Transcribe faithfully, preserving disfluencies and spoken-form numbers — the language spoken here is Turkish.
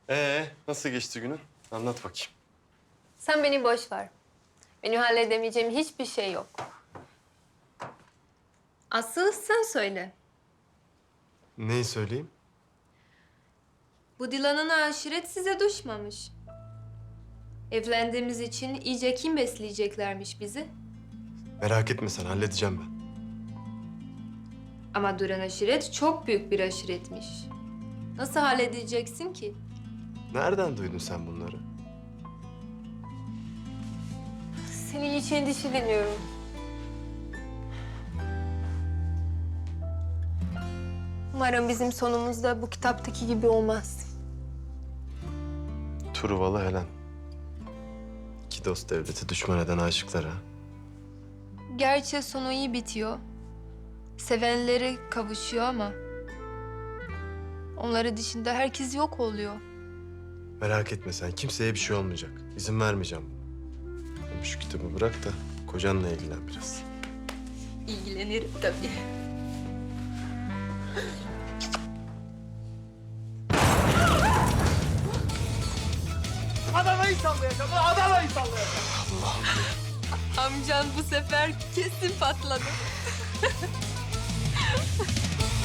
Ee, nasıl geçti günün? Anlat bakayım. Sen beni boş ver. Benim halledemeyeceğim hiçbir şey yok. Asıl sen söyle. Neyi söyleyeyim? Bu Dilan'ın aşiret size düşmemiş. Evlendiğimiz için iyice kim besleyeceklermiş bizi? Merak etme sen, halledeceğim ben. Ama Duran aşiret çok büyük bir aşiretmiş. Nasıl halledeceksin ki? Nereden duydun sen bunları? Senin için endişeleniyorum. Umarım bizim sonumuz da bu kitaptaki gibi olmaz. Truvalı Helen. İki dost devleti düşman eden aşıklar ha. Gerçi sonu iyi bitiyor. Sevenleri kavuşuyor ama... onları dışında herkes yok oluyor. Merak etme sen, kimseye bir şey olmayacak. İzin vermeyeceğim buna. Hem şu kitabı bırak da kocanla ilgilen biraz. İlgilenirim tabii. Adana'yı sallayacağım, Adana'yı sallayacağım. Amcan bu sefer kesin patladı.